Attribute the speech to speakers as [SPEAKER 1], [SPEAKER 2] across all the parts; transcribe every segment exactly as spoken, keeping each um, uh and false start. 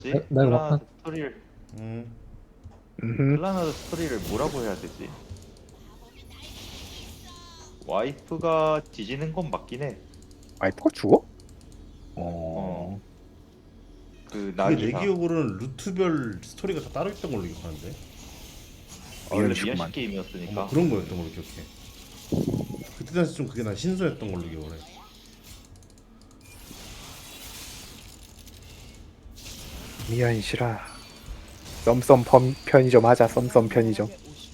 [SPEAKER 1] 나,
[SPEAKER 2] 뭐지?
[SPEAKER 1] 나 이거
[SPEAKER 2] 클라나드
[SPEAKER 1] 막판
[SPEAKER 2] 스토리를
[SPEAKER 3] 음.
[SPEAKER 4] 음.
[SPEAKER 2] 클라나드 스토리를 뭐라고 해야 되지? 와이프가 뒤지는 건 맞긴 해.
[SPEAKER 4] 와이프가 죽어? 어.
[SPEAKER 2] 어. 그
[SPEAKER 3] 그게 내
[SPEAKER 2] 나기사.
[SPEAKER 3] 기억으로는 루트별 스토리가 다 따로 있던 걸로 기억하는데.
[SPEAKER 2] 원래
[SPEAKER 4] 어이구만.
[SPEAKER 2] 미연식 게임이었으니까.
[SPEAKER 3] 뭐 그런 거였던 걸로 기억해. 그때 당시 좀 그게 난 신선했던 걸로 기억을 해.
[SPEAKER 4] 미연시라. 썸썸 펌, 편의점 하자. 썸썸 편의점.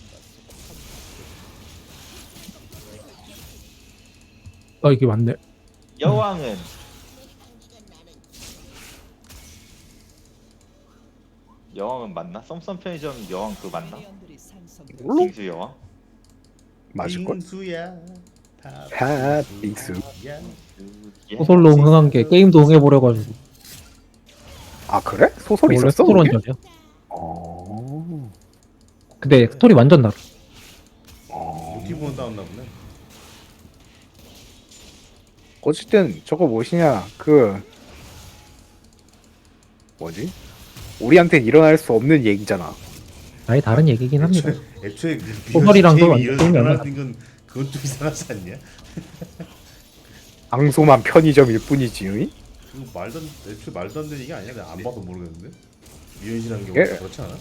[SPEAKER 1] 아 이게 맞네.
[SPEAKER 2] 여왕은 여왕은 맞나? 썸썸 편의점 여왕 그 맞나?
[SPEAKER 4] 물론
[SPEAKER 2] 빙수 여왕?
[SPEAKER 4] 맞을걸?
[SPEAKER 3] 빙수야.
[SPEAKER 4] 다 빙수.
[SPEAKER 3] 야.
[SPEAKER 2] 예?
[SPEAKER 1] 소설로 흥한 게 게임도 흥해버려가지고
[SPEAKER 4] 아 그래? 소설
[SPEAKER 1] 원래
[SPEAKER 4] 있었어?
[SPEAKER 1] 소설
[SPEAKER 4] 그게?
[SPEAKER 1] 원작이야.
[SPEAKER 4] 어.
[SPEAKER 1] 근데 스토리 완전 다르.
[SPEAKER 4] 어.
[SPEAKER 3] 노티브는 따왔나 보네.
[SPEAKER 4] 어쨌든 저거 무엇이냐 그 뭐지? 우리한텐 일어날 수 없는 얘기잖아.
[SPEAKER 1] 아예 다른 얘기긴 합니다.
[SPEAKER 3] 애초에, 애초에 그
[SPEAKER 1] 소설이랑도
[SPEAKER 3] 게임이
[SPEAKER 1] 완전
[SPEAKER 3] 이런
[SPEAKER 1] 게임이
[SPEAKER 3] 일어나는 건 그건 좀 이상하지 않냐?
[SPEAKER 4] 방소만 편의점일 뿐이지. 의?
[SPEAKER 3] 그거 말도 안, 애초에 말도 안 되는 얘기 아니야? 내가 안 봐도 모르겠는데. 미연이라는 게
[SPEAKER 4] 예.
[SPEAKER 3] 원래 그렇지 않아?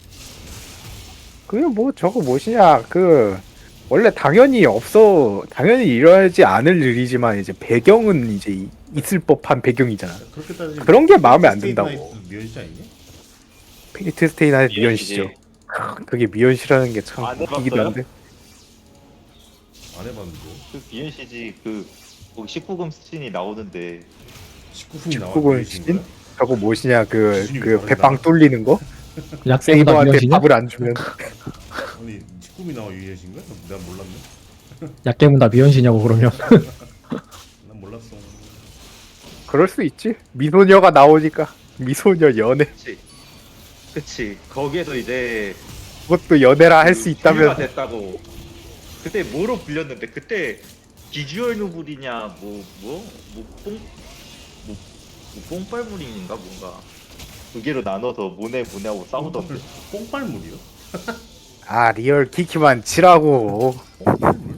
[SPEAKER 4] 그게 뭐 저거 무엇이냐 그 원래 당연히 없어 당연히 일어나지 않을 일이지만 이제 배경은 이제 이- 있을 법한 배경이잖아.
[SPEAKER 3] 그렇게 따지면
[SPEAKER 4] 그런 게 마음에 안
[SPEAKER 3] 스테이트
[SPEAKER 4] 든다고.
[SPEAKER 3] 나이트 미연이 아니냐?
[SPEAKER 4] 페이트 스테이나의
[SPEAKER 2] 미연시지.
[SPEAKER 4] 미연시죠. 그게 미연시라는 게 참
[SPEAKER 2] 안
[SPEAKER 4] 웃기긴
[SPEAKER 2] 해봤어요?
[SPEAKER 4] 한데.
[SPEAKER 3] 안 해봤는데.
[SPEAKER 2] 그 비엔시지 그 거기 십구 금 스친이 나오는데
[SPEAKER 3] 십구 분이 나와.
[SPEAKER 4] 십구 분
[SPEAKER 3] 미연시인
[SPEAKER 4] 씬?
[SPEAKER 3] 거야?
[SPEAKER 4] 저거 무엇이냐 그
[SPEAKER 3] 기준이
[SPEAKER 4] 그
[SPEAKER 3] 다르다.
[SPEAKER 4] 배빵 뚫리는 거?
[SPEAKER 1] 약세보다
[SPEAKER 4] 세이버한테
[SPEAKER 1] 미연시냐?
[SPEAKER 4] 밥을 안 주면
[SPEAKER 3] 아니 십구 분이 나와 유연신 거야? 난 몰랐네.
[SPEAKER 1] 약게보다 미연시냐고 그러면.
[SPEAKER 3] 난 몰랐어.
[SPEAKER 4] 그럴 수 있지. 미소녀가 나오니까 미소녀 연애
[SPEAKER 2] 그치 그치 거기에서 이제
[SPEAKER 4] 그것도 연애라 할 수
[SPEAKER 2] 그
[SPEAKER 4] 있다면
[SPEAKER 2] 비유가 됐다고. 그때 뭐로 불렸는데 그때 비주얼 노블이냐 뭐뭐뭐뽕뭐 뭐, 뭐 뽕빨물인가 뭔가 두 개로 나눠서 모네 모네하고 싸우던데.
[SPEAKER 3] 뽕빨물이요?
[SPEAKER 4] 아 리얼 키키만 치라고.
[SPEAKER 3] 뽕빨물?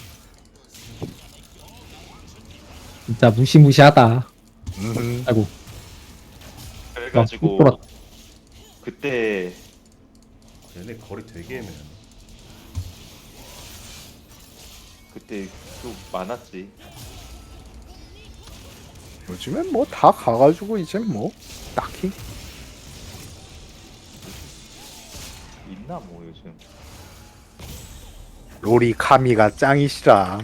[SPEAKER 1] 진짜 무시무시하다.
[SPEAKER 4] 음,
[SPEAKER 1] 아이고.
[SPEAKER 2] 그래가지고
[SPEAKER 1] 아,
[SPEAKER 2] 그때
[SPEAKER 3] 얘네 거리 되게 애매하네.
[SPEAKER 2] 그때 또 많았지.
[SPEAKER 4] 요즘엔 뭐 다 가가지고 이제 뭐 딱히
[SPEAKER 2] 있나 뭐 요즘.
[SPEAKER 4] 로리 카미가 짱이시라.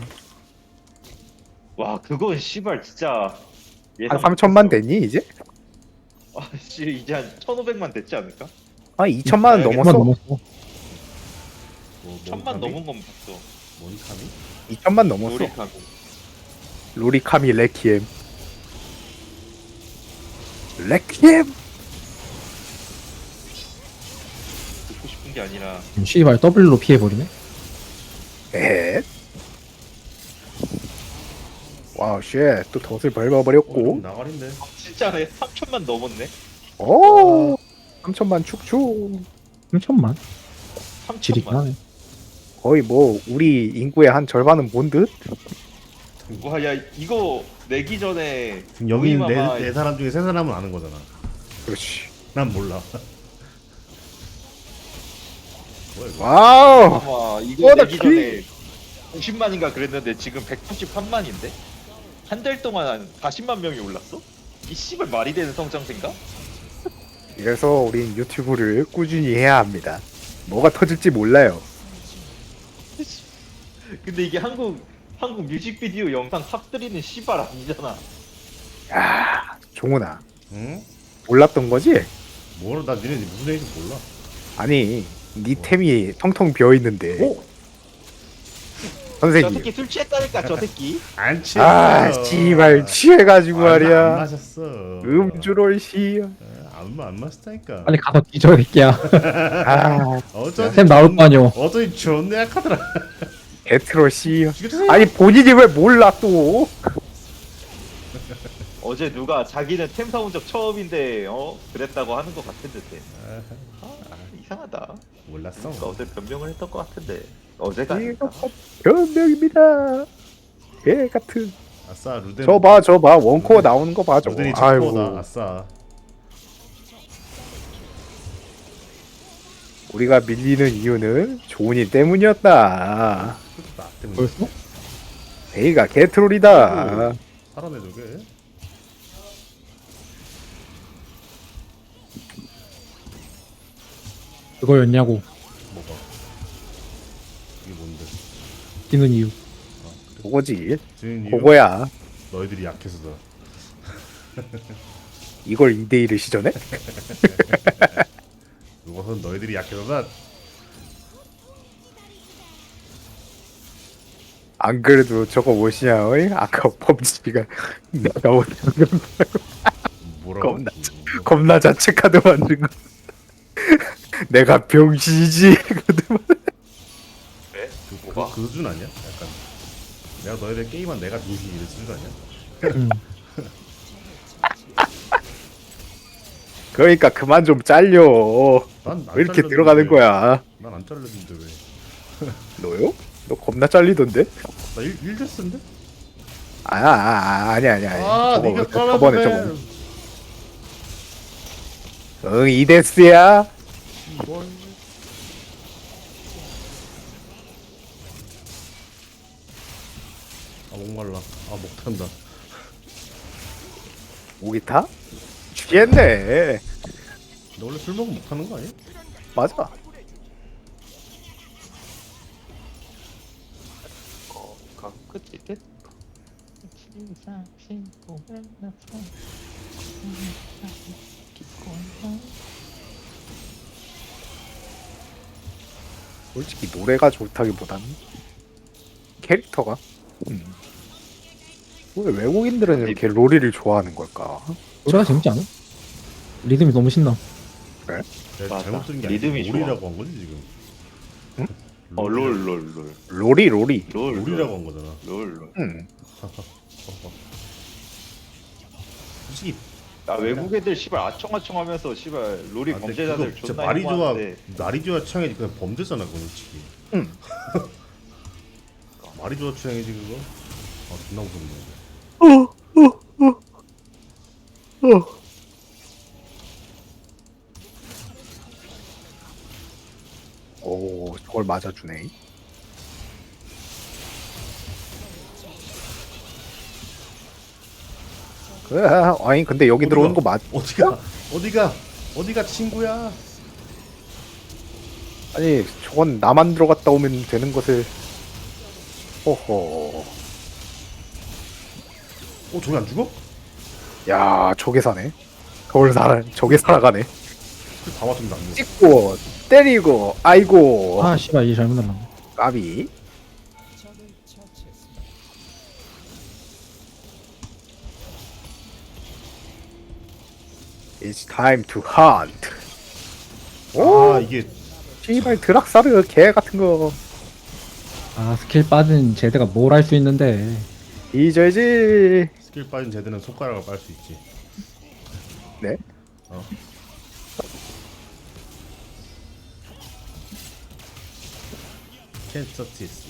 [SPEAKER 2] 와 그건 씨발 진짜 예상
[SPEAKER 4] 한 삼천만
[SPEAKER 2] 못했어.
[SPEAKER 4] 됐니 이제?
[SPEAKER 2] 아씨 이제 한 천오백만 됐지 않을까?
[SPEAKER 4] 아 이천만 원
[SPEAKER 2] 알겠어.
[SPEAKER 1] 한번
[SPEAKER 4] 넘었어.
[SPEAKER 1] 넘었어.
[SPEAKER 3] 뭐,
[SPEAKER 2] 천만
[SPEAKER 3] 몬카미?
[SPEAKER 2] 넘은 건 봤어.
[SPEAKER 3] 몬카미?
[SPEAKER 4] 이천만 넘었어.
[SPEAKER 2] 노력하고.
[SPEAKER 4] 로리 카미 레키엠. 레키엠.
[SPEAKER 2] 듣고 싶은 게 아니라
[SPEAKER 1] 씨발 더블로 피해버리네.
[SPEAKER 4] 에. 와우 쉣. 또 덫을
[SPEAKER 3] 어, 좀
[SPEAKER 4] 밟아버렸고.
[SPEAKER 3] 나가린데.
[SPEAKER 2] 진짜네 삼천만 넘었네.
[SPEAKER 4] 오. 삼천만 축축.
[SPEAKER 1] 삼천만. 지리긴
[SPEAKER 2] 삼천만.
[SPEAKER 1] 하네.
[SPEAKER 4] 거의 뭐 우리 인구의 한 절반은 본 듯.
[SPEAKER 2] 와야 이거 내기 전에
[SPEAKER 3] 지금 여기 있는
[SPEAKER 2] 모임아마
[SPEAKER 3] 네, 네 사람 중에 세 사람은 아는 거잖아.
[SPEAKER 4] 그렇지.
[SPEAKER 3] 난 몰라. 뭐야 이거?
[SPEAKER 4] 와우.
[SPEAKER 2] 아마 이거
[SPEAKER 4] 어, 나
[SPEAKER 2] 내기
[SPEAKER 4] 키-
[SPEAKER 2] 전에 오십만인가 그랬는데 지금 백팔십삼만인데 한 달 동안 한 사십만 명이 올랐어? 이 씨발 말이 되는 성장세인가?
[SPEAKER 4] 이래서 우린 유튜브를 꾸준히 해야 합니다. 뭐가 터질지 몰라요.
[SPEAKER 2] 근데 이게 한국 한국 뮤직비디오 영상 탑쓰리는 씨발 아니잖아.
[SPEAKER 4] 야, 종훈아.
[SPEAKER 3] 응?
[SPEAKER 4] 몰랐던 거지?
[SPEAKER 3] 뭐라 나 니네 무슨 얘기인지 몰라.
[SPEAKER 4] 아니, 니 템이 텅텅 비어 있는데.
[SPEAKER 3] 오!
[SPEAKER 2] 저
[SPEAKER 4] 선생님.
[SPEAKER 2] 새끼 술 취했다니까 저 새끼.
[SPEAKER 3] 안 취했어.
[SPEAKER 4] 아, 씨발 취해가지고
[SPEAKER 3] 아, 나안
[SPEAKER 4] 말이야.
[SPEAKER 3] 마셨어.
[SPEAKER 4] 음주를 시.
[SPEAKER 3] 안, 마- 안 마셨다니까.
[SPEAKER 1] 빨리 가서 뒤져 새끼야.
[SPEAKER 4] 아,
[SPEAKER 3] 어쩐지
[SPEAKER 1] 템 나올
[SPEAKER 3] 존-
[SPEAKER 1] 거 아니오.
[SPEAKER 3] 어쩐지 존나 약하더라.
[SPEAKER 4] 에트로 시.
[SPEAKER 3] 죽여주세요.
[SPEAKER 4] 아니 본인이 왜 몰라 또?
[SPEAKER 2] 어제 누가 자기는 템 사온 적 처음인데 어 그랬다고 하는 것 같은데 템. 아, 이상하다.
[SPEAKER 3] 몰랐어.
[SPEAKER 2] 그러니까 어제 변명을 했던 것 같은데 어제가 아닐까?
[SPEAKER 4] 변명입니다. 개 같은.
[SPEAKER 3] 아싸 루덴.
[SPEAKER 4] 저 봐, 저 봐. 원코어 나오는 거 봐, 저거.
[SPEAKER 3] 루덴이
[SPEAKER 4] 아이고.
[SPEAKER 3] 척코다. 아싸.
[SPEAKER 4] 우리가 밀리는 이유는 조은이 때문이었다.
[SPEAKER 3] 나 때문에.
[SPEAKER 1] 벌써?
[SPEAKER 4] 베이가 개트롤이다.
[SPEAKER 3] 살아내 저게.
[SPEAKER 1] 그거였냐고.
[SPEAKER 3] 뭐가? 이게 뭔데?
[SPEAKER 1] 뛰는 이유.
[SPEAKER 4] 그거지.
[SPEAKER 3] 지금 이유?
[SPEAKER 4] 그거야.
[SPEAKER 3] 너희들이 약해서다.
[SPEAKER 4] 이걸 이 대 일을 시전해?
[SPEAKER 3] 그것은 너희들이 약해서다.
[SPEAKER 4] 안 그래도 저거 뭐시냐, 어이? 아까 펌치가 내가 원하는
[SPEAKER 3] 뭐라고?
[SPEAKER 4] 겁나 겁나 자체 카드 만든 거. 내가 병신이지.
[SPEAKER 2] 그래?
[SPEAKER 3] 그,
[SPEAKER 2] 뭐가?
[SPEAKER 3] 그, 그 수준 아니야? 약간 내가 너희들 게임한 내가 병신 이런 수준 아니야?
[SPEAKER 1] 음.
[SPEAKER 4] 그러니까 그만 좀 잘려.
[SPEAKER 3] 난안
[SPEAKER 4] 왜 이렇게 들어가는 거야?
[SPEAKER 3] 난 안 잘렸는데 왜?
[SPEAKER 4] 너요? 너 겁나 잘리던데?
[SPEAKER 3] 나 일, 일 됐는데?
[SPEAKER 4] 아, 아, 아 아니 아니 아니.
[SPEAKER 3] 아
[SPEAKER 4] 저거,
[SPEAKER 3] 니가
[SPEAKER 4] 저번에
[SPEAKER 3] 까라보네.
[SPEAKER 4] 저번에. 응, 이데스야.
[SPEAKER 3] 이걸 아 목말라. 아 목탄다.
[SPEAKER 4] 목이 타? 죽겠네.
[SPEAKER 3] 너 원래 술 먹으면 목타는 거 아니야?
[SPEAKER 4] 맞아.
[SPEAKER 2] 어, 가 끝이 끝.
[SPEAKER 4] 솔직히 노래가 좋다기보다는 캐릭터가. 음. 왜 외국인들은 이렇게 로리를 좋아하는 걸까?
[SPEAKER 1] 노래가 재밌지 않아? 리듬이 너무 신나.
[SPEAKER 3] 내가
[SPEAKER 2] 맞아.
[SPEAKER 3] 잘못 들은 게
[SPEAKER 2] 리듬이
[SPEAKER 3] 아니고 롤이라고 한 거지 지금.
[SPEAKER 4] 응?
[SPEAKER 2] 어 롤 롤 롤.
[SPEAKER 4] 로리 로리.
[SPEAKER 2] 롤
[SPEAKER 3] 롤이라고 한 거잖아.
[SPEAKER 2] 롤 롤.
[SPEAKER 4] 응.
[SPEAKER 3] 솔직히
[SPEAKER 2] 아 외국 애들 씨발 아청아청하면서 씨발 롤이
[SPEAKER 3] 아, 근데
[SPEAKER 2] 범죄자들
[SPEAKER 3] 그거 진짜
[SPEAKER 2] 존나
[SPEAKER 3] 말이 좋아
[SPEAKER 2] 혐오하는데
[SPEAKER 3] 말이 좋아 취향이지 그냥 범죄잖아 그건 솔직히.
[SPEAKER 4] 응.
[SPEAKER 3] 말이 좋아 취향이지 그거. 아 존나 무섭네.
[SPEAKER 4] 오, 저걸 맞아주네. 그래, 아니 근데 여기
[SPEAKER 3] 어디가?
[SPEAKER 4] 들어오는 거 맞?
[SPEAKER 3] 어디가 어디가 어디가 친구야?
[SPEAKER 4] 아니 저건 나만 들어갔다 오면 되는 것을. 호호.
[SPEAKER 3] 어 저기 안 죽어?
[SPEAKER 4] 야, 저게 사네. 저걸 살아, 저게 살아가네.
[SPEAKER 3] 다 맞으면 안 죽어.
[SPEAKER 4] 찍고 때리고, 아이고,
[SPEAKER 1] 아 씨발 이게 잘못 날라.
[SPEAKER 4] 까비. It's time to hunt. 오,
[SPEAKER 3] 아 이게
[SPEAKER 4] 씨발 드락사르 개 같은 거.
[SPEAKER 1] 아 스킬 빠진 제드가 뭘 할 수 있는데.
[SPEAKER 4] 잊어야지.
[SPEAKER 3] 스킬 빠진 제드는 손가락을 빨 수 있지.
[SPEAKER 4] 네?
[SPEAKER 3] 어. Can't touch this.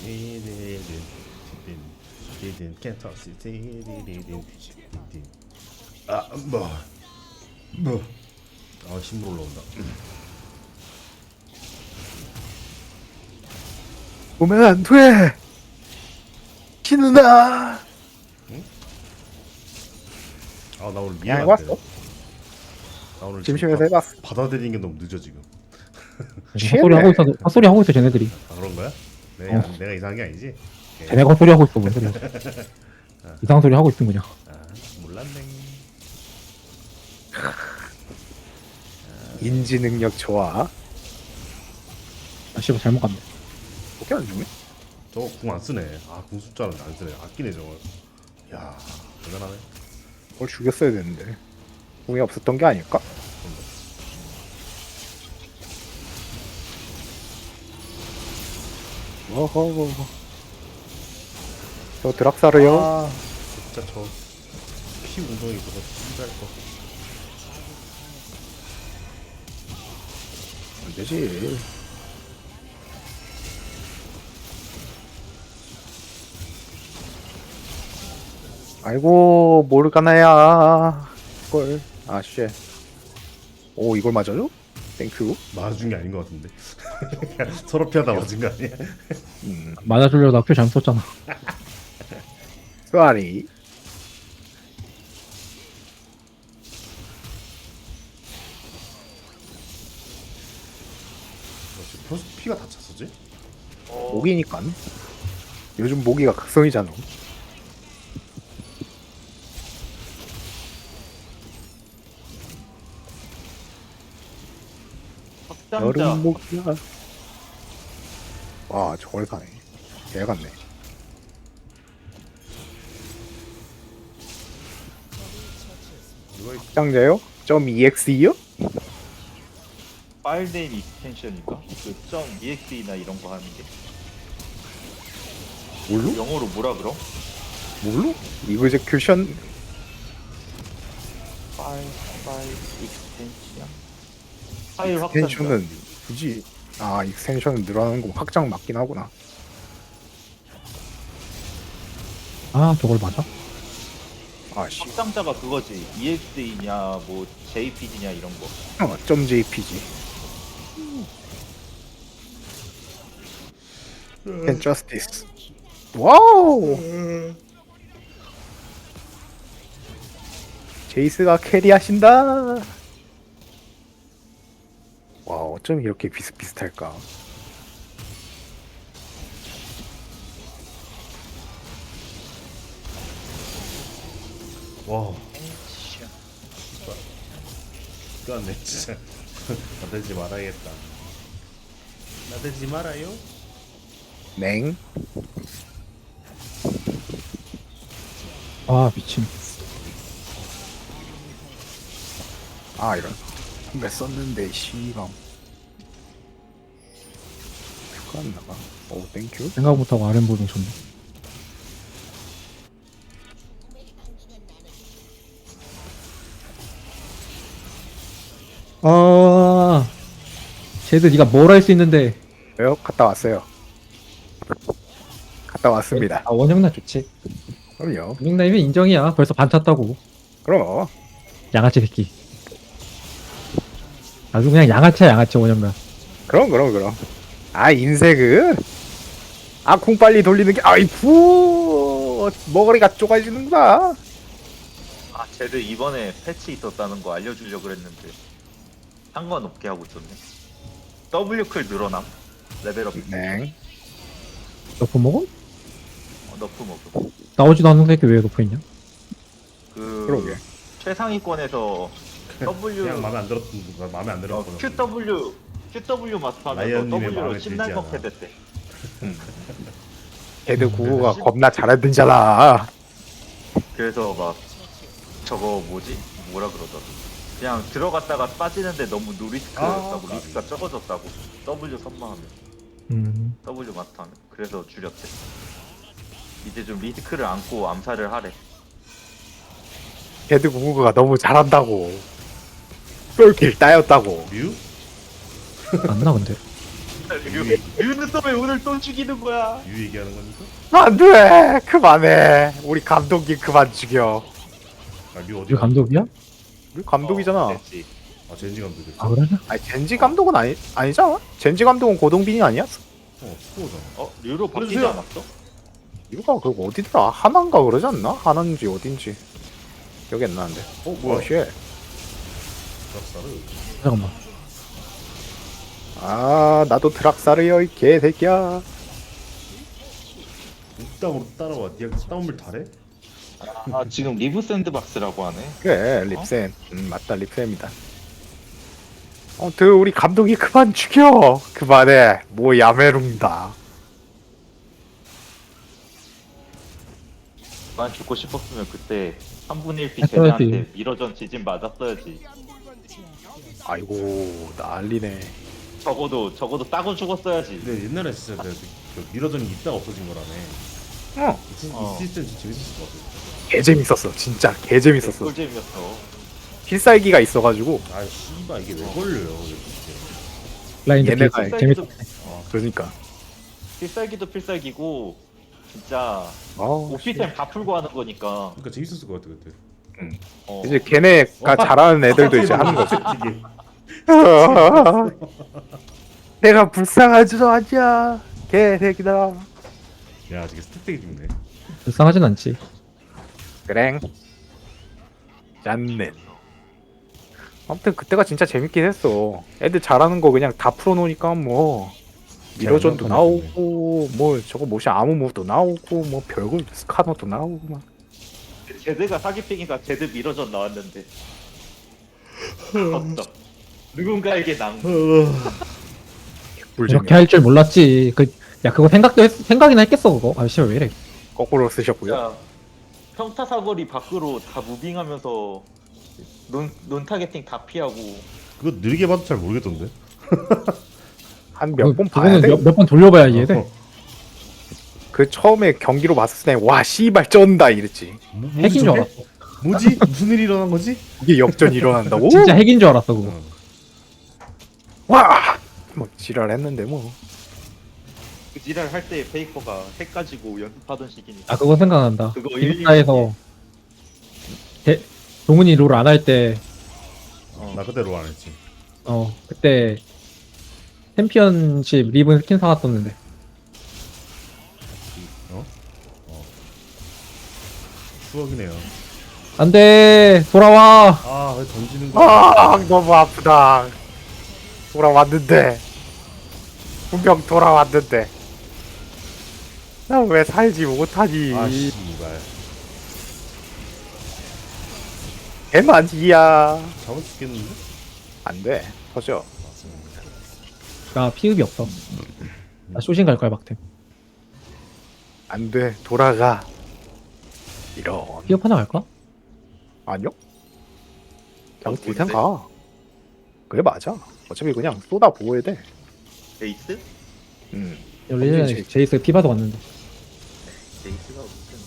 [SPEAKER 3] Can't touch this. 아 뭐. 뭐. 아 힘으로 올라온다.
[SPEAKER 4] 보면 안 돼. 키누나.
[SPEAKER 3] 아 나 오늘
[SPEAKER 4] 그냥
[SPEAKER 3] 미안.
[SPEAKER 4] 해봤어.
[SPEAKER 3] 나 오늘
[SPEAKER 4] 심심해서
[SPEAKER 3] 지금
[SPEAKER 4] 해봤어.
[SPEAKER 3] 바- 받아들이는 게 너무 늦어 지금.
[SPEAKER 1] 헛소리 하고 있어. 헛소리 하고 있어 쟤네들이.
[SPEAKER 3] 아 그런 거야? 내가
[SPEAKER 1] 어.
[SPEAKER 3] 내가 이상한 게 아니지?
[SPEAKER 1] 쟤네가 헛소리 하고 있어 뭔 소리야. 이상한 소리 하고 있음 그냥.
[SPEAKER 3] 아 몰랐네.
[SPEAKER 4] 인지 능력 좋아.
[SPEAKER 1] 아 씨발 잘못 갔네.
[SPEAKER 4] 어떻게 안 죽네?
[SPEAKER 3] 저거 궁 안 쓰네. 아궁 숫자는 안 쓰네. 아끼네 저거. 야 대단하네.
[SPEAKER 4] 그걸 죽였어야 되는데. 공이 없었던 게 아닐까? 어허. 저 드락사르요.
[SPEAKER 3] 아 진짜 저 피 운동이 그거 신기할 거.
[SPEAKER 4] 안 되지. 아이고 모르가나야. 이걸 아 쉣. 오 이걸 맞아요? 땡큐.
[SPEAKER 3] 맞은 게 아닌 것 같은데. 서로 피하다 맞은 거 아니야?
[SPEAKER 4] 음.
[SPEAKER 1] 맞아주려다 표 잘못 썼잖아.
[SPEAKER 4] 쏘아리.
[SPEAKER 3] 그렇지. 벌써 피가 다 찼었지?
[SPEAKER 2] 어,
[SPEAKER 4] 모기니까. 요즘 모기가 극성이잖아.
[SPEAKER 2] 확장자
[SPEAKER 4] 여름 모기야. 와 저걸 사네. 개 같네.
[SPEAKER 3] 누가 있...
[SPEAKER 4] 확장자요? 점 .exe요?
[SPEAKER 2] 파일 네임 익스텐션인가? 그점 .exe나 이런 거 하는 게
[SPEAKER 4] 뭘로?
[SPEAKER 2] 영어로 뭐라 그럼?
[SPEAKER 4] 뭘로? 이그제큐션
[SPEAKER 2] 파일 파일 익스텐션 파일 확장자
[SPEAKER 4] 익스텐션은 굳이 아 익스텐션은 늘어나는 거 확장 맞긴 하구나.
[SPEAKER 1] 아 저걸 맞아?
[SPEAKER 4] 아씨.
[SPEAKER 2] 확장자가 그거지 이엑스이냐 뭐 제이피지냐 이런 거
[SPEAKER 4] 어, 점 .jpg. And justice. 와우. 제이스가 캐리하신다. 와 어쩜 이렇게 비슷비슷할까?
[SPEAKER 3] 와. 끝났네 진짜. 나대지 말아야겠다. 나대지 말아요.
[SPEAKER 4] 냉.
[SPEAKER 1] 아 미친.
[SPEAKER 4] 아 이런. 몇 썼는데 씨방. 큐가 안 나가. 오 땡큐.
[SPEAKER 1] 생각 못하고 아랫 보는 좋네. 아 쟤들 네가 뭘 할 수 있는데.
[SPEAKER 4] 왜요? 갔다 왔어요. 갔다 왔습니다.
[SPEAKER 1] 아 원형나 좋지.
[SPEAKER 4] 그럼요.
[SPEAKER 1] 원형나이면 인정이야. 벌써 반 찼다고.
[SPEAKER 4] 그럼.
[SPEAKER 1] 양아치 새끼. 아주 그냥 양아치야 양아치 원형나.
[SPEAKER 4] 그럼 그럼 그럼. 아 인색은. 아 쿵 빨리 돌리는 게 아이쿠 머리가 쪼가지는구나.
[SPEAKER 2] 아 쟤들 이번에 패치 있었다는 거 알려주려고 그랬는데 상관없게 하고 있었네 W클 늘어남 레벨업
[SPEAKER 4] 냉.
[SPEAKER 1] 너프 먹어?
[SPEAKER 2] 어, 너프 먹음
[SPEAKER 1] 나오지도 않는 새끼 왜 너프 있냐?
[SPEAKER 2] 그
[SPEAKER 4] 그러게.
[SPEAKER 2] 최상위권에서 W
[SPEAKER 3] 그냥 마음에 안 들었던 거 마음에 안
[SPEAKER 2] 어,
[SPEAKER 3] 들었거든.
[SPEAKER 2] QW QW 마스터하면서
[SPEAKER 3] 라이언님의
[SPEAKER 2] W로
[SPEAKER 3] 마음에
[SPEAKER 2] 십날
[SPEAKER 3] 들지
[SPEAKER 2] 먹게
[SPEAKER 3] 않아.
[SPEAKER 2] 됐대
[SPEAKER 4] 걔들 구호가 겁나 잘하던잖아.
[SPEAKER 2] 그래서 막 저거 뭐지? 뭐라 그러더라 그냥 들어갔다가 빠지는데 너무 노리스크였다고
[SPEAKER 3] 아,
[SPEAKER 2] 리스크가 적어졌다고 W 선마하면
[SPEAKER 1] 음.
[SPEAKER 2] W 마스터하면 그래서 줄였대 이제 좀 리스크를 안고 암살을 하래
[SPEAKER 4] 걔들 구호가 너무 잘한다고. 똘길 따였다고.
[SPEAKER 3] 뮤?
[SPEAKER 1] 안나 근데.
[SPEAKER 2] 류- 류는 또 왜 오늘 또 죽이는 거야
[SPEAKER 3] 뮤 얘기하는 거니까?
[SPEAKER 4] 안돼 그만해. 우리 감독님 그만 죽여.
[SPEAKER 3] 아뮤 어디?
[SPEAKER 1] 우리 감독이야?
[SPEAKER 4] 우리 감독이잖아.
[SPEAKER 2] 어, 됐지.
[SPEAKER 3] 아 젠지 감독이었어.
[SPEAKER 1] 아 그래?
[SPEAKER 4] 아니 젠지 감독은 아니 아니잖아. 젠지 감독은 고동빈이 아니었어.
[SPEAKER 3] 어 스코어잖아.
[SPEAKER 2] 어? 류로 바뀌지
[SPEAKER 3] 그래서요.
[SPEAKER 2] 않았어?
[SPEAKER 4] 이거가 그 어디더라? 하나인가 그러지 않나? 하나인지 어딘지 기억이 안 나는데.
[SPEAKER 3] 어
[SPEAKER 4] 어
[SPEAKER 3] 뭐야?
[SPEAKER 4] 쉣.
[SPEAKER 3] 드랍사르.
[SPEAKER 1] 잠깐만.
[SPEAKER 4] 아 나도 드락사르여 이 개새끼야.
[SPEAKER 3] 옥담으로 따라와. 니가 싸움을 잘해?
[SPEAKER 2] 아 지금 리브 샌드박스라고 하네
[SPEAKER 4] 그래 립센. 음 맞다 립센입니다. 아무튼 우리 감독이 그만 죽여. 그만해. 뭐 야메룽다.
[SPEAKER 2] 난 죽고 싶었으면 그때 삼분의 일 피
[SPEAKER 1] 했어야지.
[SPEAKER 2] 쟤네한테 미러전 지진 맞았어야지
[SPEAKER 4] 아이고 난리네.
[SPEAKER 2] 적어도 적어도 따고 죽었어야지
[SPEAKER 3] 근데 옛날에 진짜 내가 그 미러전이 있다가 없어진 거라네.
[SPEAKER 4] 어.
[SPEAKER 3] 이, 시-
[SPEAKER 2] 어.
[SPEAKER 3] 이 시스템 진짜 재밌었을 것 같아.
[SPEAKER 4] 개 재밌었어. 진짜 개 재밌었어.
[SPEAKER 2] 꿀잼이었어.
[SPEAKER 4] 필살기가 있어가지고
[SPEAKER 3] 아 씨발 이게 왜 걸려요? 이렇게.
[SPEAKER 1] 라인도
[SPEAKER 4] 얘네가
[SPEAKER 1] 개-
[SPEAKER 2] 필살기도-
[SPEAKER 1] 재밌었.
[SPEAKER 4] 그러니까.
[SPEAKER 2] 필살기도 필살기고 진짜
[SPEAKER 4] 아,
[SPEAKER 2] 오피템 다 풀고 하는 거니까.
[SPEAKER 3] 그러니까 재밌었을 것 같아 그때.
[SPEAKER 2] 어.
[SPEAKER 4] 이제 걔네가
[SPEAKER 3] 어,
[SPEAKER 4] 잘하는 애들도 이제 하는 거지.
[SPEAKER 3] 이게
[SPEAKER 4] 내가 불쌍하지도 않냐. 개새끼다.
[SPEAKER 3] 야 되게 스택되게 죽네.
[SPEAKER 1] 불쌍하진 않지.
[SPEAKER 4] 그랭. 짠넨. 아무튼 그때가 진짜 재밌긴 했어. 애들 잘하는 거 그냥 다 풀어놓으니까 뭐 미러전도
[SPEAKER 3] 잘
[SPEAKER 4] 나오고 뭐 저거 뭐시 아무무도 나오고 뭐 별걸 스카너도 나오고 막.
[SPEAKER 2] 제드가 사기팽이가 제드 미러전 나왔는데. 어떤 누군가에게 낭.
[SPEAKER 1] 이렇게 할 줄 몰랐지. 그, 야, 그거 생각도 했, 생각이나 했겠어, 그거. 아, 씨발, 왜 이래.
[SPEAKER 4] 거꾸로 쓰셨고요.
[SPEAKER 2] 진짜 평타 사거리 밖으로 다 무빙하면서 논, 논 타겟팅 다 피하고.
[SPEAKER 3] 그거 느리게 봐도 잘 모르겠던데.
[SPEAKER 4] 한 몇 번 봐야
[SPEAKER 1] 그거는
[SPEAKER 4] 돼.
[SPEAKER 1] 몇, 몇 번 돌려봐야 이해돼.
[SPEAKER 3] 어.
[SPEAKER 4] 그 처음에 경기로 봤을 때 와 씨발 쩐다 이랬지.
[SPEAKER 3] 뭐,
[SPEAKER 1] 핵인 줄
[SPEAKER 3] 저게?
[SPEAKER 1] 알았어.
[SPEAKER 3] 뭐지? 무슨 일이 일어난 거지?
[SPEAKER 4] 이게 역전이 일어난다고?
[SPEAKER 1] 진짜 핵인 줄 알았어, 그거.
[SPEAKER 3] 어.
[SPEAKER 4] 와! 뭐 지랄했는데 뭐.
[SPEAKER 2] 그 지랄 할 때 페이커가 핵 가지고 연습하던 시기니까.
[SPEAKER 1] 아, 그거 생각난다.
[SPEAKER 2] 그거
[SPEAKER 1] 기숙사에서 대, 동훈이 롤 안 할 때,
[SPEAKER 2] 어.
[SPEAKER 3] 나 그대로 안 했지.
[SPEAKER 1] 어, 그때 챔피언십 리븐 스킨 사왔었는데.
[SPEAKER 3] 어? 어. 추억이네요.
[SPEAKER 1] 안 돼! 돌아와!
[SPEAKER 3] 아 왜 던지는 거야?
[SPEAKER 4] 아 너무 아프다. 돌아왔는데 분명 돌아왔는데 나 왜 살지 못하니?
[SPEAKER 3] 아 씨발.
[SPEAKER 4] 개만지야.
[SPEAKER 3] 잡을 수 있겠는데?
[SPEAKER 4] 안돼 터져.
[SPEAKER 1] 나 피흡이 없어. 나 쇼신 갈 거야, 막템.
[SPEAKER 4] 안돼 돌아가. 이런.
[SPEAKER 1] 피흡 하나 갈까?
[SPEAKER 4] 아니요? 그냥
[SPEAKER 2] 어,
[SPEAKER 4] 딜템
[SPEAKER 2] 뭔데?
[SPEAKER 4] 가. 그래 맞아. 어차피 그냥 쏟아 부어야 돼.
[SPEAKER 2] 베이스?
[SPEAKER 4] 음.
[SPEAKER 1] 예전에
[SPEAKER 4] 제이스.
[SPEAKER 1] 제이스 피바도 왔는데.
[SPEAKER 2] 베이스가 무슨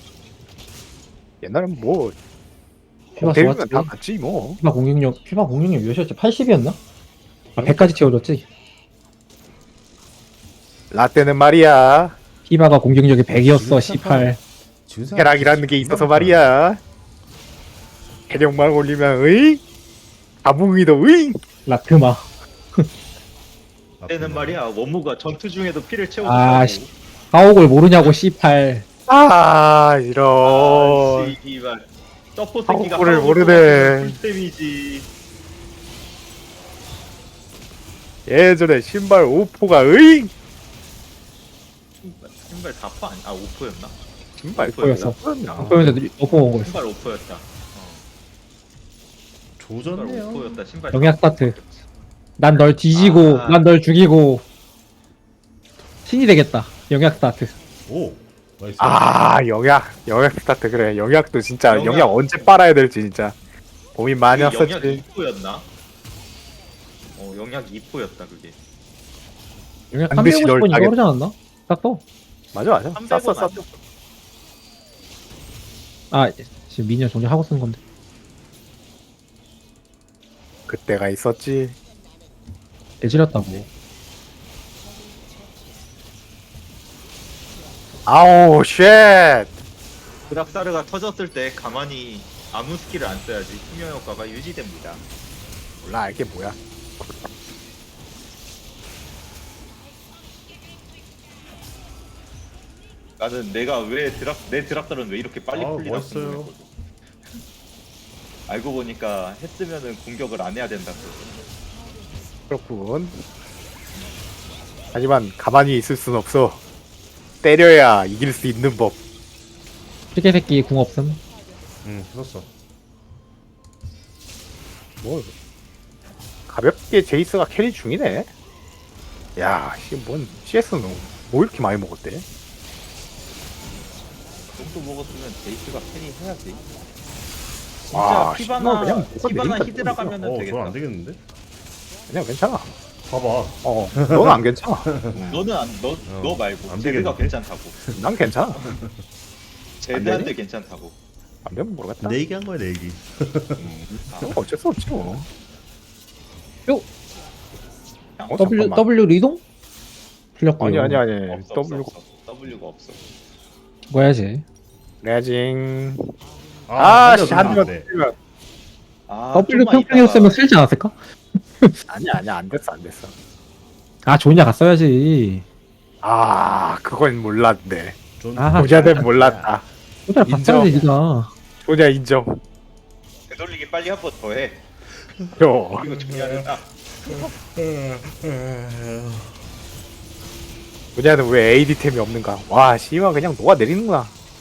[SPEAKER 4] 옛날엔 뭐
[SPEAKER 1] 피바
[SPEAKER 4] 데뷔면
[SPEAKER 1] 좋았지.
[SPEAKER 4] 다 같지 뭐.
[SPEAKER 1] 피바 공격력, 피바 공격력 몇이었지? 팔십이었나? 아, 백까지 채워줬지?
[SPEAKER 4] 라떼는 말이야.
[SPEAKER 1] 피바가 공격력이 백이었어, 십팔.
[SPEAKER 4] 쾌락이라는 게 있어서 말이야. 해력만 올리면 으이 가붕이도 으이.
[SPEAKER 1] 라트마.
[SPEAKER 2] 때는 말이야 원무가 전투 중에도 피를 채워주고.
[SPEAKER 1] 아, 씨. 가옥을 모르냐고, 씨팔.
[SPEAKER 4] 아 이런.
[SPEAKER 2] 아, 씨발. 서포 새끼가
[SPEAKER 4] 하우코를
[SPEAKER 2] 하우코
[SPEAKER 4] 모르네.
[SPEAKER 2] 풀템이지.
[SPEAKER 4] 예전에 신발 오포가 으이.
[SPEAKER 2] 신발, 신발 사 퍼 아니 아 오 퍼였나?
[SPEAKER 4] 신발
[SPEAKER 1] 오포였어.
[SPEAKER 4] 오포였나?
[SPEAKER 1] 그러면서 넣고 온 거였어.
[SPEAKER 2] 신발 오 퍼였다. 어. 신발
[SPEAKER 3] 조졌네요.
[SPEAKER 2] 오 퍼였다. 신발.
[SPEAKER 1] 영약
[SPEAKER 2] 사 퍼.
[SPEAKER 1] 스타트. 난 널 뒤지고,
[SPEAKER 2] 아.
[SPEAKER 1] 난 널 죽이고. 신이 되겠다. 영약 스타트.
[SPEAKER 3] 오. 나이스.
[SPEAKER 4] 아 영약 영약 스타트 그래. 영약도 진짜
[SPEAKER 2] 영약.
[SPEAKER 4] 영약, 언제 빨아야 될지 진짜 고민 많이
[SPEAKER 2] 그게 영약
[SPEAKER 4] 했었지.
[SPEAKER 2] 이 퍼였나? 어 영약 이 퍼였다 그게.
[SPEAKER 1] 영약
[SPEAKER 4] 반드시 널
[SPEAKER 1] 삼백오십 번 이거
[SPEAKER 4] 따겠다.
[SPEAKER 1] 그러지 않았나? 딱 또.
[SPEAKER 4] 맞아 맞아.
[SPEAKER 2] 삼백
[SPEAKER 4] 쌌어
[SPEAKER 2] 원
[SPEAKER 4] 쌌어.
[SPEAKER 2] 아니야?
[SPEAKER 1] 아, 지금 미니언 정리하고 쓴 건데.
[SPEAKER 4] 그때가 있었지.
[SPEAKER 1] 개지렸다고.
[SPEAKER 4] 아우 쉣.
[SPEAKER 2] 드락사르가 터졌을 때 가만히 아무 스킬을 안 써야지 투명 효과가 유지됩니다.
[SPEAKER 4] 몰라 이게 뭐야.
[SPEAKER 2] 나는 내가 왜 드락 내 드락사르는 왜 이렇게 빨리
[SPEAKER 3] 아,
[SPEAKER 2] 풀리나
[SPEAKER 3] 멋있어요.
[SPEAKER 2] 궁금했거든. 알고 보니까 했으면은 공격을 안 해야 된다고.
[SPEAKER 4] 그렇군. 하지만 가만히 있을 순 없어. 때려야 이길 수 있는 법.
[SPEAKER 1] 시계 새끼 궁 없음.
[SPEAKER 3] 응 썼어.
[SPEAKER 4] 뭐 가볍게 제이스가 캐리 중이네. 야, 이게 뭔 씨에스는 뭐 이렇게 많이 먹었대?
[SPEAKER 2] 그 정도 먹었으면 제이스가 캐리 해야지. 진짜
[SPEAKER 4] 아,
[SPEAKER 2] 피바나
[SPEAKER 4] 씨발, 그냥 뭐가
[SPEAKER 2] 피바나
[SPEAKER 4] 내린다,
[SPEAKER 2] 히드라 가면은
[SPEAKER 3] 어,
[SPEAKER 2] 되겠다.
[SPEAKER 3] 저건 안 되겠는데?
[SPEAKER 4] 그냥 괜찮아.
[SPEAKER 3] 봐봐.
[SPEAKER 4] 어, 넌 안 괜찮아.
[SPEAKER 2] 너는 안, 너,
[SPEAKER 3] 어,
[SPEAKER 2] 너 말고
[SPEAKER 3] 안
[SPEAKER 2] 제드가
[SPEAKER 3] 되겠는데?
[SPEAKER 2] 괜찮다고.
[SPEAKER 4] 난 괜찮아.
[SPEAKER 2] 제드한테 괜찮다고.
[SPEAKER 4] 안 되면 모르겠다.
[SPEAKER 3] 내 얘기 한 거야 내 얘기.
[SPEAKER 4] 어, 어쩔 수 없지 뭐.
[SPEAKER 1] 요
[SPEAKER 2] 그냥
[SPEAKER 4] 어,
[SPEAKER 1] W
[SPEAKER 4] 잠깐만.
[SPEAKER 1] W 리동 풀렸고요.
[SPEAKER 4] 아니 아니 아니.
[SPEAKER 2] 없어,
[SPEAKER 4] W
[SPEAKER 2] 없어, 없어. W가 없어.
[SPEAKER 1] 뭐 해야지.
[SPEAKER 4] 레징.
[SPEAKER 3] 아,
[SPEAKER 4] 아, 씨, 한
[SPEAKER 3] 한대
[SPEAKER 4] 대만 때리면.
[SPEAKER 2] 아,
[SPEAKER 1] W
[SPEAKER 2] 좀만
[SPEAKER 1] 평평이었으면
[SPEAKER 2] 있다가-
[SPEAKER 1] 쓸지 않았을까?
[SPEAKER 4] 아니야 아니야 안 됐어 안 됐어.
[SPEAKER 1] 아 좋냐 갔어야지.
[SPEAKER 4] 아 그건 몰랐네.
[SPEAKER 1] 아,
[SPEAKER 4] 조자는 몰랐다.
[SPEAKER 1] 소자
[SPEAKER 4] 인정.
[SPEAKER 1] 갔어야지 니가.
[SPEAKER 4] 조자 인정.
[SPEAKER 2] 되돌리기 빨리 한 번 더 해.
[SPEAKER 4] 요.
[SPEAKER 2] 이거 중요하다.
[SPEAKER 4] 조자는 왜 에이디템이 없는가? 와 씨발 그냥 녹아 내리는구나.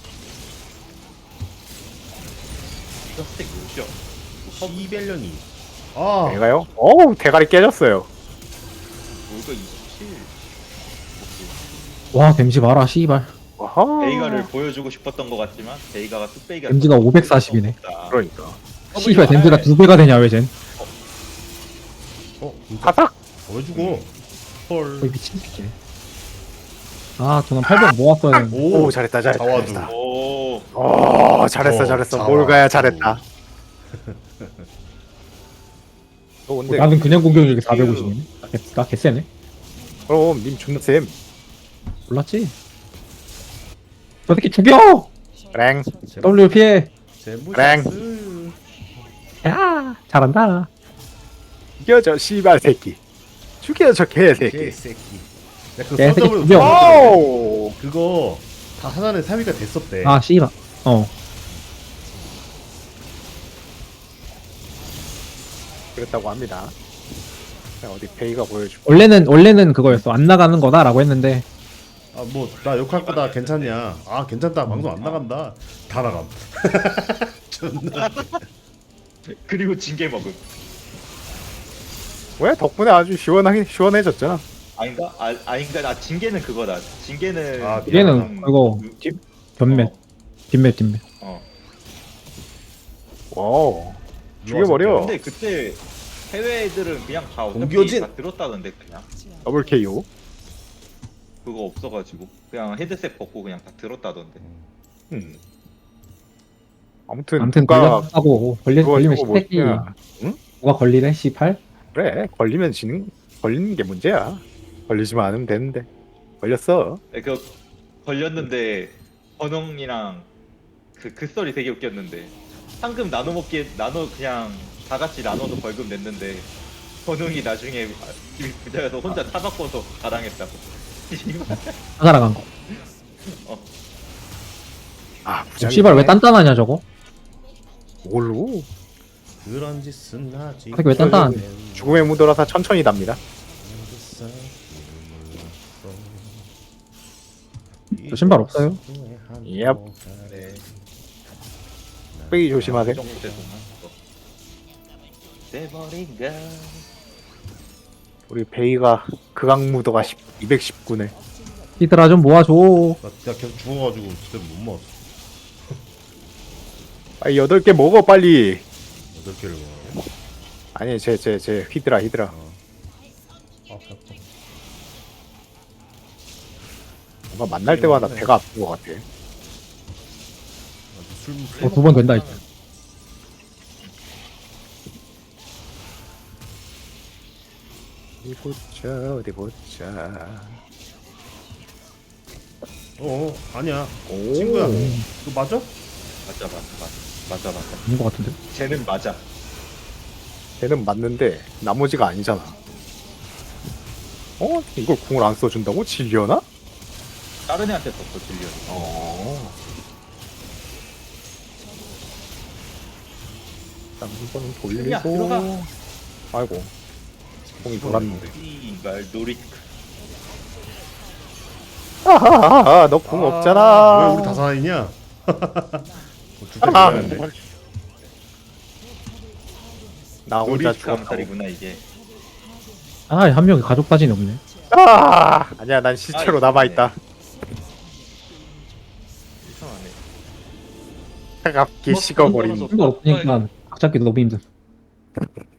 [SPEAKER 2] 이거 스택 몇이야?
[SPEAKER 3] 이벨련이. 아,
[SPEAKER 4] 내가요? 어우 대가리 깨졌어요.
[SPEAKER 2] 이거 이십칠.
[SPEAKER 1] 와 댐지 봐라 씨발.
[SPEAKER 4] 와하.
[SPEAKER 2] 베이가를 보여주고 싶었던 것 같지만 베이가가 뚝배기가
[SPEAKER 1] 댐지가 오백사십이네.
[SPEAKER 4] 그러니까.
[SPEAKER 1] 씨발 댐지가 두 배가 되냐 왜 쟨?
[SPEAKER 3] 어, 진짜
[SPEAKER 4] 바삭.
[SPEAKER 3] 보여주고. 헐.
[SPEAKER 1] 거의 미친 새끼. 아 저는 팔백 모았어야 되는데.
[SPEAKER 4] 오,
[SPEAKER 3] 오,
[SPEAKER 4] 잘했다 잘했다.
[SPEAKER 3] 자와두.
[SPEAKER 4] 잘했다.
[SPEAKER 2] 오.
[SPEAKER 4] 오 잘했어
[SPEAKER 3] 어,
[SPEAKER 4] 잘했어.
[SPEAKER 3] 자와두.
[SPEAKER 4] 뭘 가야 잘했다. 너 근데
[SPEAKER 1] 나는 그냥 공격력이 사백오십이네. 나, 개, 나 개쎄네.
[SPEAKER 4] 그럼 님 존나 쌤.
[SPEAKER 1] 몰랐지? 저 새끼 죽여!
[SPEAKER 4] 랭.
[SPEAKER 1] W 피해.
[SPEAKER 3] 제무샤스.
[SPEAKER 1] 야 잘한다.
[SPEAKER 4] 죽여 저 씨발 새끼. 죽여 저 개새끼.
[SPEAKER 3] 개새끼. 야, 그
[SPEAKER 1] 개새끼
[SPEAKER 3] 썬더블
[SPEAKER 1] 죽여.
[SPEAKER 4] 오.
[SPEAKER 3] 그거 다 하나는 사위가 됐었대.
[SPEAKER 1] 아 씨발. 어.
[SPEAKER 4] 그랬다고 합니다. 자, 어디 페이가 보여줘.
[SPEAKER 1] 원래는 원래는 그거였어. 안 나가는 거다라고 했는데
[SPEAKER 3] 아, 뭐 나 욕할 거다 괜찮냐? 아, 괜찮다. 방송 안 나간다. 다 나감. 존나.
[SPEAKER 2] 그리고 징계 먹음.
[SPEAKER 4] 왜 덕분에 아주 시원하게 시원해졌잖아.
[SPEAKER 2] 아닌가? 아, 아닌가? 나 징계는 그거다. 징계는
[SPEAKER 3] 아,
[SPEAKER 1] 얘는
[SPEAKER 2] 그냥
[SPEAKER 1] 그거
[SPEAKER 2] 그-
[SPEAKER 1] 뒷 변맷 뒷맷 뒷맷.
[SPEAKER 2] 어.
[SPEAKER 4] 와. 죽여버려.
[SPEAKER 2] 근데 그때 해외 애들은 그냥 다 어차피
[SPEAKER 3] 공교진.
[SPEAKER 2] 다 들었다던데 그냥
[SPEAKER 4] 더블 케이오.
[SPEAKER 2] 그거 없어가지고 그냥 헤드셋 벗고 그냥 다 들었다던데.
[SPEAKER 4] 음. 아무튼
[SPEAKER 1] 아무튼
[SPEAKER 4] 누가
[SPEAKER 1] 걸렸다고 걸리,
[SPEAKER 4] 그거
[SPEAKER 1] 걸리면
[SPEAKER 4] 이거
[SPEAKER 1] 시새끼.
[SPEAKER 4] 뭐냐. 응?
[SPEAKER 1] 누가 걸리래 씨팔?
[SPEAKER 4] 그래 걸리면 지는 걸리는 게 문제야. 걸리지만 않으면 되는데 걸렸어.
[SPEAKER 2] 네, 그 걸렸는데 번홍이랑 그 그 썰이 되게 웃겼는데 상금 나눠 먹기에 나눠 그냥 다 같이 나눠서 벌금 냈는데 번홍이 나중에 부자여서 혼자 타 바꿔서 가당했다고.
[SPEAKER 1] 사가라간 거.
[SPEAKER 4] 아
[SPEAKER 1] 저
[SPEAKER 4] 부장이
[SPEAKER 1] 씨발 왜 단단하냐 저거?
[SPEAKER 4] 뭘로?
[SPEAKER 3] 그런 짓은 하지.
[SPEAKER 1] 왜 단단한?
[SPEAKER 4] 죽음의 무도라서 천천히 답니다.
[SPEAKER 1] 저 신발 없어요?
[SPEAKER 4] 얍.
[SPEAKER 2] 네.
[SPEAKER 4] 빼기 조심하세요.
[SPEAKER 2] 그 정도 돼서 돼버린가.
[SPEAKER 4] 우리 베이가 극악 무도가 이백십구네.
[SPEAKER 1] 히드라 좀 모아줘.
[SPEAKER 3] 나 진짜 계속 죽어가지고 진짜 못 먹었어.
[SPEAKER 4] 빨리 여덟 개 먹어 빨리.
[SPEAKER 3] 여덟 개를 먹어.
[SPEAKER 4] 아니 제 제 제 히드라 히드라.
[SPEAKER 3] 아, 배 아파.
[SPEAKER 4] 뭔가 만날 때마다 배가 아픈 것 같아.
[SPEAKER 3] 술,
[SPEAKER 1] 어, 두 번 된다 이제.
[SPEAKER 4] 어디 보자 어디 보자.
[SPEAKER 3] 어, 어, 아니야.
[SPEAKER 4] 오.
[SPEAKER 3] 친구야. 너 맞아?
[SPEAKER 2] 맞아 맞아 맞아 맞아 맞아.
[SPEAKER 1] 아닌 것 같은데.
[SPEAKER 2] 쟤는 맞아.
[SPEAKER 4] 걔는 맞는데 나머지가 아니잖아. 어? 이걸 궁을 안 써준다고? 질려나?
[SPEAKER 2] 다른 애한테 썼어 질려.
[SPEAKER 4] 어. 한번
[SPEAKER 2] 야,
[SPEAKER 4] 돌리고.
[SPEAKER 2] 들어가.
[SPEAKER 4] 아이고. 공이 돌았는데.
[SPEAKER 2] 이말 노리.
[SPEAKER 4] 아하하하, 너 궁 없잖아.
[SPEAKER 3] 왜 우리 다 살아있냐? 줄때
[SPEAKER 4] 아.
[SPEAKER 3] 죽었는데.
[SPEAKER 4] 나 혼자
[SPEAKER 2] 노리스크
[SPEAKER 4] 죽었다고.
[SPEAKER 2] 암살이구나 이게.
[SPEAKER 1] 아 한 명이 가족 사진이 없네.
[SPEAKER 4] 아, 아니야, 난 시체로
[SPEAKER 2] 아,
[SPEAKER 4] 남아있다.
[SPEAKER 2] 이상하네.
[SPEAKER 4] 차갑게
[SPEAKER 2] 뭐,
[SPEAKER 4] 식어버린.
[SPEAKER 2] 그런
[SPEAKER 1] 신발 없으니까 각 잡기 너무 힘들.